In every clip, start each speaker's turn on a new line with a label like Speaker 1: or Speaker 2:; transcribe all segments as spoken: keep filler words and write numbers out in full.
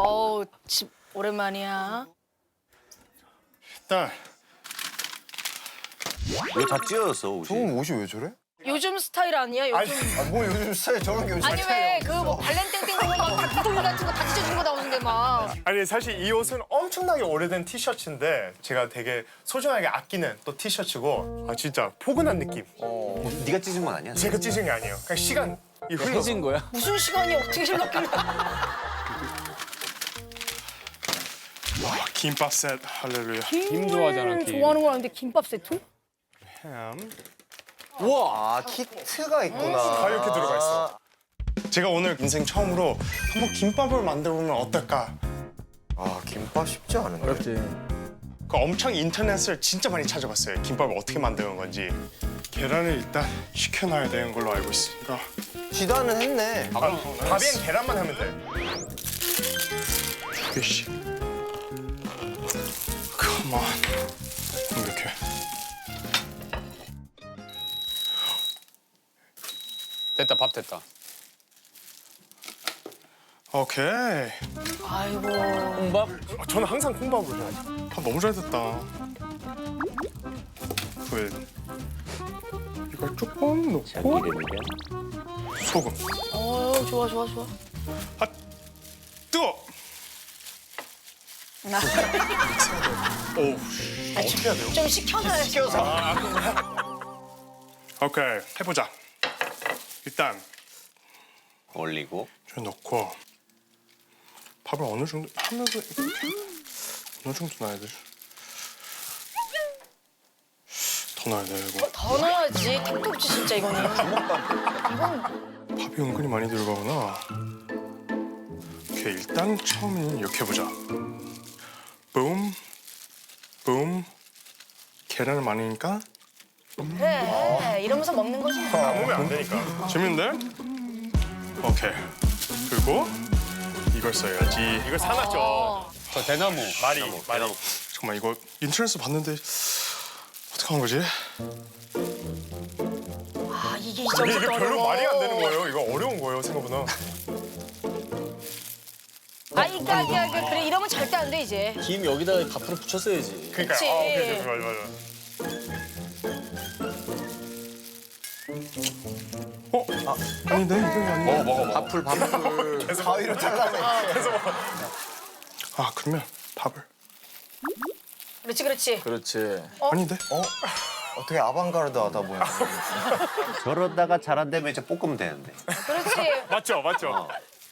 Speaker 1: 어우, 집 오랜만이야.
Speaker 2: 일단
Speaker 3: 왜 다 찢어졌어 옷이?
Speaker 4: 저건 옷이 왜 저래?
Speaker 1: 요즘 스타일 아니야? 요즘.
Speaker 4: 아, 뭐 요즘 스타일 저런 게 요즘
Speaker 1: 아니 왜 그 뭐 발렌땡땡 보면 막 닭도리 같은 거 다 찢어진 거 나오는데 막.
Speaker 2: 아니 사실 이 옷은 엄청나게 오래된 티셔츠인데 제가 되게 소중하게 아끼는 또 티셔츠고 아 진짜 포근한 느낌.
Speaker 3: 네가 찢은 건 아니야?
Speaker 2: 제가 찢은 게 아니에요. 그냥 시간이 흘러서.
Speaker 5: 해진 거야?
Speaker 1: 무슨 시간이 어떻게 흘렀길래.
Speaker 2: 와, 김밥 셋 할렐루야.
Speaker 5: 김 좋아하잖아, 김.
Speaker 1: 좋아하는 거 아닌데 김밥 세트?
Speaker 2: 햄.
Speaker 4: 아 키트가 있구나.
Speaker 2: 다 이렇게 들어가 있어. 제가 오늘 인생 처음으로 한번 김밥을 만들어 보면 어떨까?
Speaker 4: 아 김밥 쉽지 않은데.
Speaker 5: 어렵지.
Speaker 2: 그 엄청 인터넷을 진짜 많이 찾아봤어요. 김밥을 어떻게 만드는 건지. 계란을 일단 식혀놔야 되는 걸로 알고 있으니까.
Speaker 4: 지단은 했네.
Speaker 2: 아, 밥엔 계란만 하면 돼. 두 개씩. 컴온. 이렇게.
Speaker 5: 됐다, 밥 됐다.
Speaker 2: 오케이.
Speaker 1: 아이고.
Speaker 5: 콩밥?
Speaker 2: 아, 저는 항상 콩밥을 해요. 밥 너무 잘 됐다. 그 이걸 조금 넣고 소금.
Speaker 1: 어 좋아 좋아 좋아.
Speaker 2: 아 뜨거. 오 어떻게 해야 돼요?
Speaker 1: 좀 식혀놔야지.
Speaker 4: 시켜서.
Speaker 2: 오케이 해보자. 일단
Speaker 3: 올리고
Speaker 2: 좀 넣고 밥을 어느 정도 하면서 이렇게 어느 정도 넣어야 돼? 더 넣어야 돼 이거.
Speaker 1: 더 넣어야지. 택도 없지 진짜 이거는. 이건
Speaker 2: 밥이 은근히 많이 들어가구나. 오케이 일단 처음에는 이렇게 해보자. 붐, 붐. 계란을 많이 넣으니까
Speaker 1: 그래. 이러면서 먹는 거지.
Speaker 2: 안 먹으면 안 되니까. 재밌는데? 오케이. 그리고 이걸 써야지. 이걸 사놨죠.
Speaker 1: 어.
Speaker 5: 저 대나무.
Speaker 2: 말이, 말이. 잠깐만 이거 인터넷에서 봤는데 어떻게 하는 거지?
Speaker 1: 아 이게 이
Speaker 2: 이게
Speaker 1: 정도
Speaker 2: 별로 말이 안 되는 거예요. 이거 어려운 거예요 생각보다.
Speaker 1: 아 이까 이까 이까 그래 이러면 절대 안 돼 이제.
Speaker 6: 김 여기다가 밥을 붙였어야지.
Speaker 2: 그러니까
Speaker 1: 그치.
Speaker 2: 아, 오케이, 오케이, 맞아, 맞아. 어? 아, 아닌데 이거 아니야.
Speaker 5: 먹어, 먹어, 먹어.
Speaker 6: 밥풀 밥풀.
Speaker 4: 가위로 잘라내.
Speaker 2: 아 그러면 밥을
Speaker 1: 그렇지 그렇지.
Speaker 6: 그렇지.
Speaker 2: 아닌데?
Speaker 4: 어? 어떻게 아방가르드하다 보니.
Speaker 3: 저러다가 잘 안 되면 이제 볶으면 되는데.
Speaker 1: 그렇지.
Speaker 2: 맞죠, 맞죠.
Speaker 3: 어.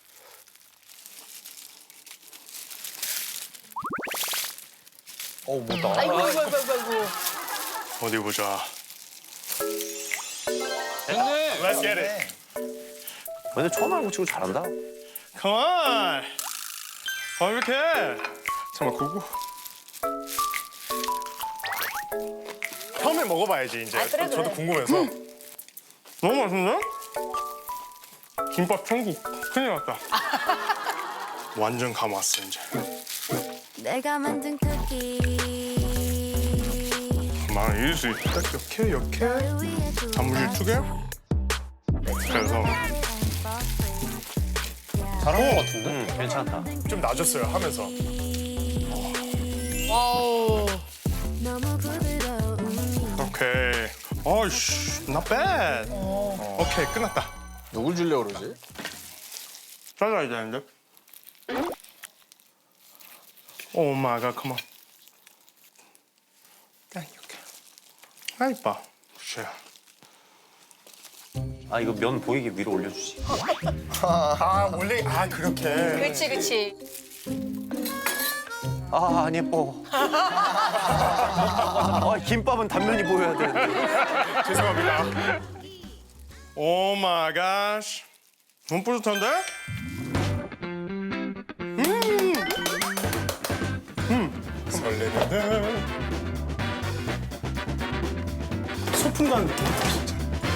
Speaker 4: 어 뭐다.
Speaker 1: 아이고 아이고 아이고 아이고.
Speaker 2: 어디 보자.
Speaker 5: 됐네.
Speaker 2: Let's get it.
Speaker 3: 근데 처음 알고 치고 잘한다.
Speaker 2: Come on. 어 이렇게. 잠깐만 그거. 처음에 먹어봐야지 이제.
Speaker 1: 아, 그래,
Speaker 2: 저도
Speaker 1: 그래.
Speaker 2: 궁금해서. 너무 맛있는데? 김밥 천국 큰일 났다. 완전 감 왔어 이제.
Speaker 7: 내가 만든 쿠키
Speaker 2: 막 이럴 수 있다. 이렇게 이렇게
Speaker 7: 위에
Speaker 2: 단무질 두 개. 그래서
Speaker 5: 잘한 거 같은데?
Speaker 3: 응, 괜찮다.
Speaker 2: 좀 나아졌어요 하면서.
Speaker 1: 와우.
Speaker 7: 너무 부드러운
Speaker 2: 오케이. 어이씨, not bad. 오케이 끝났다.
Speaker 6: 누굴 주려고 그러지?
Speaker 2: 잘라야 되는데. 오 마이 갓, 컴온. 딱 이렇게. 아 이뻐. 쉐.
Speaker 3: 아 이거 면 보이게 위로 올려주지.
Speaker 2: 아 원래 아 그렇게.
Speaker 1: 그렇지 그렇지.
Speaker 3: 아 안 예뻐. 아, 김밥은 단면이 보여야 되는데.
Speaker 2: 죄송합니다. 오 마이 갓. 너무 뿌듯한데? 음. 음. 설레는데. 소풍 가는 느낌이다 진짜.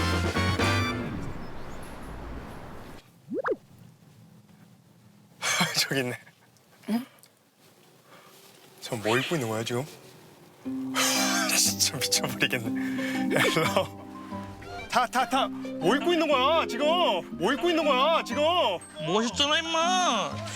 Speaker 2: 저기 있네. 저 뭐 입고 있는 거야 지금? 진짜 미쳐버리겠네. 헬로. 타, 타, 타. 뭐 입고 있는 거야 지금? 뭐 입고 있는 거야 지금?
Speaker 8: 멋있잖아 임마.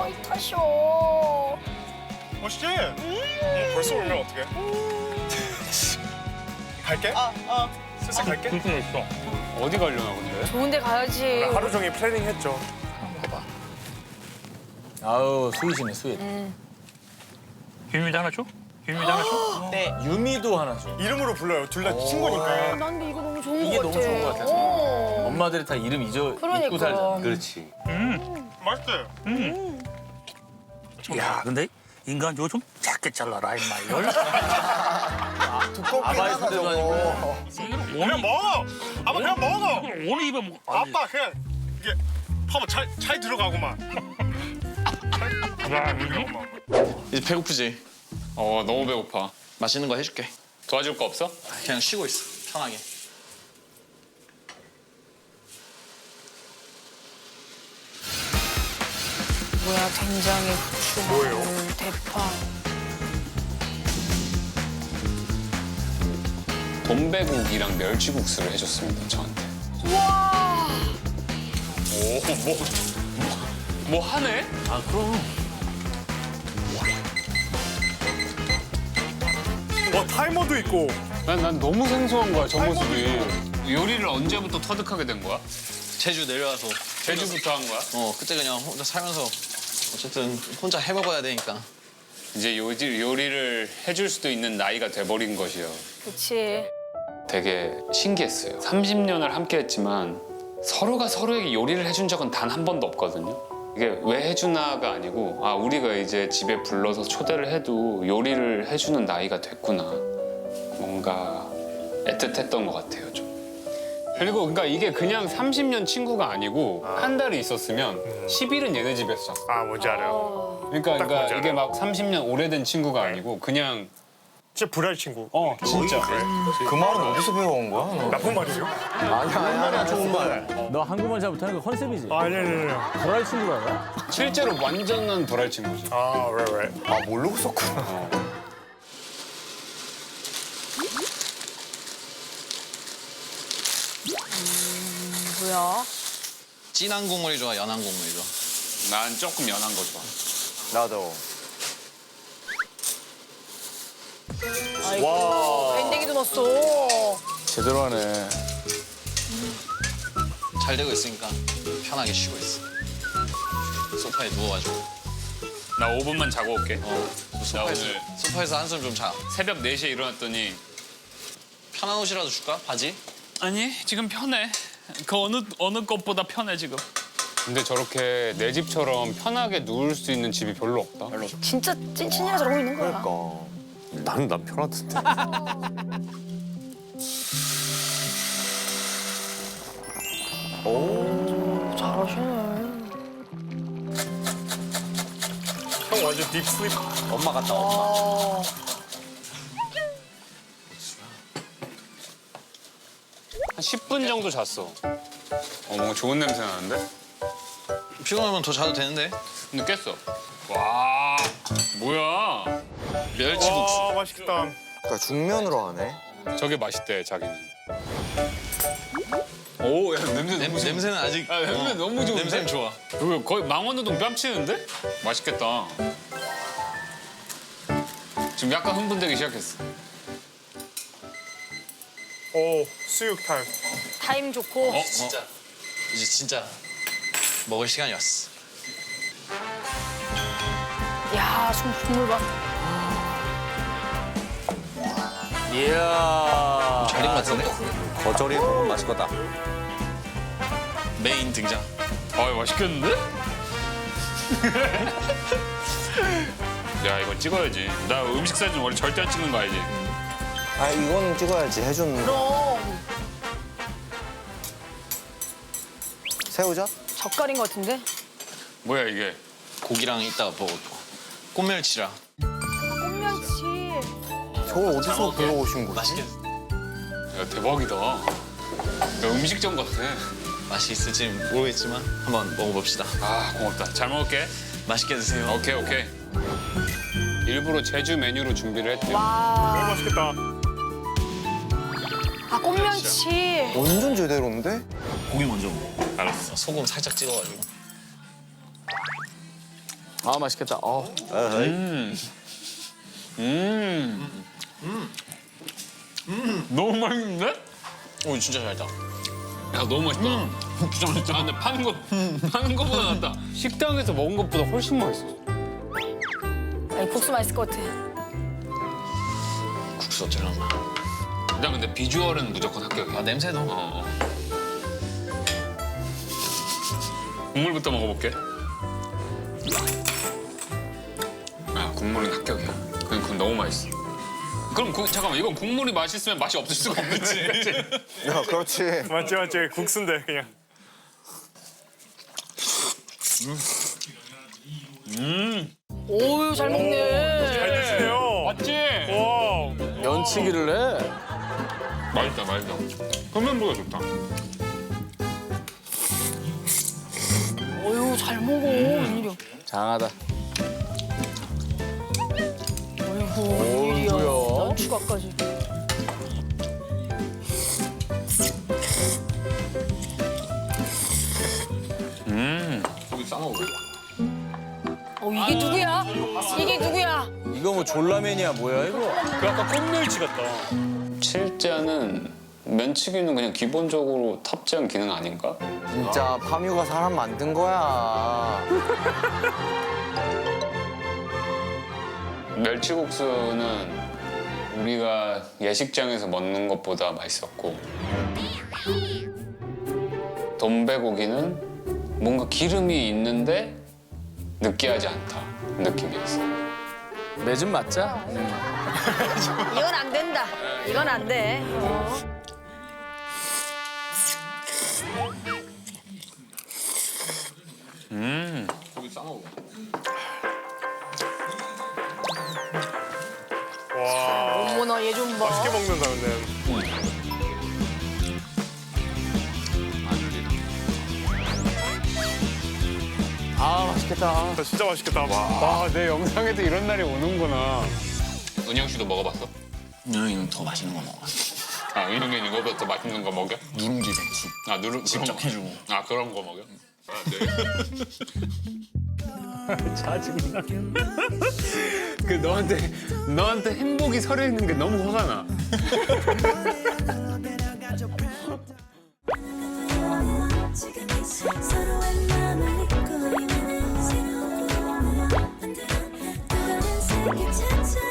Speaker 1: 어, 이 탓이오.
Speaker 2: 멋있지? 어, 벌써 오면 어떡해? 갈게?
Speaker 9: 어, 어.
Speaker 2: 슬슬 갈게?
Speaker 8: 그렇게 있어.
Speaker 5: 어디 가려나 근데?
Speaker 1: 좋은데 가야지.
Speaker 2: 하루 종일 플래닝 했죠.
Speaker 6: 아우 스윗이네 스윗.
Speaker 8: 유미도 하나 줘? 유미도 하나 줘?
Speaker 9: 네.
Speaker 6: 유미도 하나 줘.
Speaker 2: 이름으로 불러요. 둘 다 친구니까.
Speaker 1: 난 근데 이거 너무 좋은
Speaker 6: 이게
Speaker 1: 것
Speaker 6: 너무
Speaker 1: 같아.
Speaker 6: 좋은 것 같아.
Speaker 1: 어.
Speaker 6: 엄마들이 다 이름 잊어
Speaker 1: 그러니까.
Speaker 6: 잊고 살잖아.
Speaker 3: 그렇지.
Speaker 2: 맛있어요.
Speaker 8: 야, 근데 인간 저거 좀 작게 잘라라 임마 이걸.
Speaker 4: 두껍긴
Speaker 6: 아바이
Speaker 4: 하다
Speaker 6: 소대도
Speaker 4: 저거.
Speaker 2: 그냥 먹어. 아빠 그냥 먹어.
Speaker 8: 이걸 오늘 입에 먹.
Speaker 2: 아빠 그냥 이게 봐봐 잘, 잘 들어가고만.
Speaker 8: 야, 이거?
Speaker 10: 이제 배고프지?
Speaker 5: 어 너무 배고파.
Speaker 10: 맛있는 거 해줄게.
Speaker 5: 도와줄 거 없어?
Speaker 10: 그냥 쉬고 있어. 편하게.
Speaker 1: 뭐야 된장에 후추, 마늘, 대파.
Speaker 5: 돈배국이랑 멸치국수를 해줬습니다 저한테.
Speaker 1: 와.
Speaker 5: 오뭐 뭐, 뭐 하네?
Speaker 6: 아 그럼.
Speaker 2: 와 타이머도 있고.
Speaker 5: 난, 난 너무 생소한 거야 저 모습이. 요리를 언제부터 터득하게 된 거야?
Speaker 10: 제주 내려와서.
Speaker 5: 제주부터 한 거야?
Speaker 10: 어 그때 그냥 혼자 살면서 어쨌든 혼자 해 먹어야 되니까.
Speaker 5: 이제 요리, 요리를 해줄 수도 있는 나이가 돼버린 것이요.
Speaker 1: 그치.
Speaker 5: 되게 신기했어요. 삼십 년을 함께 했지만 서로가 서로에게 요리를 해준 적은 단 한 번도 없거든요. 이게 왜 해주나가 아니고 아 우리가 이제 집에 불러서 초대를 해도 요리를 해주는 나이가 됐구나. 뭔가 애틋했던 것 같아요 좀. 그리고 그러니까 이게 그냥 삼십 년 친구가 아니고 한 달이 있었으면 십 일은 얘네 집에서 잤어.
Speaker 2: 아 뭔지 알아요.
Speaker 5: 그러니까,
Speaker 2: 딱
Speaker 5: 그러니까
Speaker 2: 뭔지
Speaker 5: 이게
Speaker 2: 알아요.
Speaker 5: 막 삼십 년 오래된 친구가 아니고 그냥
Speaker 2: 진짜 불알 친구.
Speaker 5: 어 진짜.
Speaker 4: 그 말은 어디서 배워온 거야? 너?
Speaker 2: 나쁜 말이죠?
Speaker 4: 아니야 아니야 아니야 좋은 말.
Speaker 6: 너 한국말 잘 못하는 거 컨셉이지.
Speaker 2: 아니 아니 아니.
Speaker 6: 불알 친구라고?
Speaker 5: 실제로 완전한 불알 친구지.
Speaker 2: 아 왜 왜?
Speaker 4: 아 모르고 썼구나.
Speaker 1: 뭐야?
Speaker 10: 진한 국물이 좋아, 연한 국물이 좋아.
Speaker 5: 난 조금 연한 거 좋아.
Speaker 4: 나도.
Speaker 1: 와. 밴댕이도 넣었어.
Speaker 6: 제대로 하네.
Speaker 10: 잘 되고 있으니까 편하게 쉬고 있어. 소파에 누워가지고.
Speaker 5: 나 오 분만 자고 올게.
Speaker 10: 어.
Speaker 5: 나
Speaker 10: 소파에서,
Speaker 5: 오늘
Speaker 10: 소파에서 한숨 좀 자.
Speaker 5: 새벽 네 시에 일어났더니
Speaker 10: 편한 옷이라도 줄까? 바지?
Speaker 8: 아니 지금 편해. 그 어느 어느 것보다 편해 지금.
Speaker 5: 근데 저렇게 내 집처럼 편하게 누울 수 있는 집이 별로 없다. 별로.
Speaker 1: 진짜 찐친이라 저러고 있는 거야.
Speaker 4: 그러니까.
Speaker 3: 나는 난 편하던데.
Speaker 2: 형 완전 딥슬립.
Speaker 3: 엄마 같다 엄마.
Speaker 5: 한 십 분 정도 잤어. 어, 뭔가 좋은 냄새 나는데?
Speaker 10: 피곤하면 더 자도 되는데.
Speaker 5: 근데 깼어. 와, 뭐야?
Speaker 10: 멸치국수.
Speaker 2: 와 맛있겠다.
Speaker 4: 그러니까 중면으로 하네.
Speaker 5: 저게 맛있대, 자기는. 오, 야, 냄새
Speaker 10: 냄,
Speaker 5: 너무 좋아.
Speaker 10: 냄새는 아직.
Speaker 5: 아, 냄새 너무 좋은데?
Speaker 10: 냄새는 좋아.
Speaker 5: 이거 거의 망원동 뺨치는데? 맛있겠다. 지금 약간 흥분되기 시작했어.
Speaker 2: 오 수육 타임.
Speaker 1: 타임 좋고.
Speaker 5: 어?
Speaker 10: 진짜. 이제 진짜 먹을 시간이 왔어.
Speaker 1: 야, 좀 국물 봐.
Speaker 6: 이야.
Speaker 10: 잘 익은 것 같은데?
Speaker 3: 거절이 먹으면 맛있겠다
Speaker 10: 메인 등장.
Speaker 5: 아, 맛있겠는데? 야, 이거 찍어야지. 나 음식 사진 원래 절대 안 찍는 거 알지?
Speaker 4: 아 이거는 찍어야지 해준.
Speaker 1: 그럼
Speaker 4: 새우젓?
Speaker 1: 젓갈인 것 같은데?
Speaker 5: 뭐야, 이게?
Speaker 10: 고기랑 이따가 먹을 거. 꽃멸치랑.
Speaker 1: 꽁면치.
Speaker 4: 저걸 어디서 배워오신 거지?
Speaker 10: 맛있게.
Speaker 5: 야, 대박이다. 야, 음식점 같아.
Speaker 10: 맛이 있을지 모르겠지만 한번 먹어봅시다.
Speaker 5: 아, 고맙다. 잘 먹을게.
Speaker 10: 맛있게 드세요.
Speaker 5: 오케이, 오케이. 일부러 제주 메뉴로 준비를 했대요.
Speaker 2: 너무 맛있겠다.
Speaker 1: 아, 꽁면치.
Speaker 4: 완전 제대로인데?
Speaker 10: 고기 먼저 먹어. 알았어. 소금 살짝 찍어가지고.
Speaker 6: 아 맛있겠다. 어.
Speaker 5: 음. 음. 음. 너무 맛있는데?
Speaker 10: 오 진짜 잘다.
Speaker 5: 야, 너무 맛있다. 진짜 맛있다. 아, 근데 파는 거, 파는 거보다 낫다. 식당에서 먹은 것보다 훨씬 맛있어.
Speaker 1: 아니, 국수 맛있을 것 같아.
Speaker 10: 국수 어쩌려나.
Speaker 5: 일단 근데 비주얼은 무조건 합격이야.
Speaker 10: 아 냄새도.
Speaker 5: 어, 어. 국물부터 먹어볼게. 아, 국물은 합격이야. 그건, 그건 너무 맛있어. 그럼 구, 잠깐만, 이건 국물이 맛있으면 맛이 없을 수가 없겠지. 그치?
Speaker 4: 야 그렇지.
Speaker 2: 맞지 맞지 국수인데 그냥.
Speaker 5: 음.
Speaker 1: 오유, 잘 먹네.
Speaker 2: 잘 드시네요.
Speaker 5: 맞지?
Speaker 2: 와.
Speaker 6: 면치기를 해.
Speaker 5: 맛있다, 맛있다. 흡면보다 좋다.
Speaker 1: 오유, 잘 먹어. 웬일이야.
Speaker 6: 장하다.
Speaker 1: 어이구, 웬일이야.
Speaker 6: 어이구야.
Speaker 1: 난 추가까지.
Speaker 5: 음. 고기 싸먹어.
Speaker 1: 어, 이게 누구야? 이게 누구야?
Speaker 6: 이거 뭐 졸라맨이야 뭐야 이거?
Speaker 2: 그 아까 꽃멸치 같다.
Speaker 5: 칠자는 면치기는 그냥 기본적으로 탑재한 기능 아닌가?
Speaker 4: 진짜 파뮤가 사람 만든 거야.
Speaker 5: 멸치국수는 우리가 예식장에서 먹는 것보다 맛있었고, 돈베고기는 뭔가 기름이 있는데 느끼하지 않다 느낌이었어.
Speaker 6: 매좀 맞자.
Speaker 1: 이건 안 된다. 이건 안 돼. 어.
Speaker 5: 음. 고기 싸먹어.
Speaker 2: 와.
Speaker 1: 어머나, 얘 좀 봐.
Speaker 2: 맛있게 먹는다 근데.
Speaker 6: 아 맛있겠다.
Speaker 2: 진짜, 진짜 맛있겠다. 와, 내 영상에도 이런 날이 오는구나.
Speaker 5: 은영 씨도 먹어봤어?
Speaker 10: 은영이는 더 맛있는 거 먹어.
Speaker 5: 아, 은영이는 이거보다 더 맛있는 거 먹여?
Speaker 10: 누룽지 백숙.
Speaker 5: 아, 누룽
Speaker 10: 직접
Speaker 5: 그런 거.
Speaker 10: 해주고.
Speaker 5: 아, 그런 거 먹여? 아, 네.
Speaker 2: 짜증나.
Speaker 5: 그 너한테 너한테 행복이 서려 있는 게 너무 화가 나.
Speaker 7: 서로의 마음을 잊고 있는 새로운 꿈을 만들어 또 다른 세계 찾아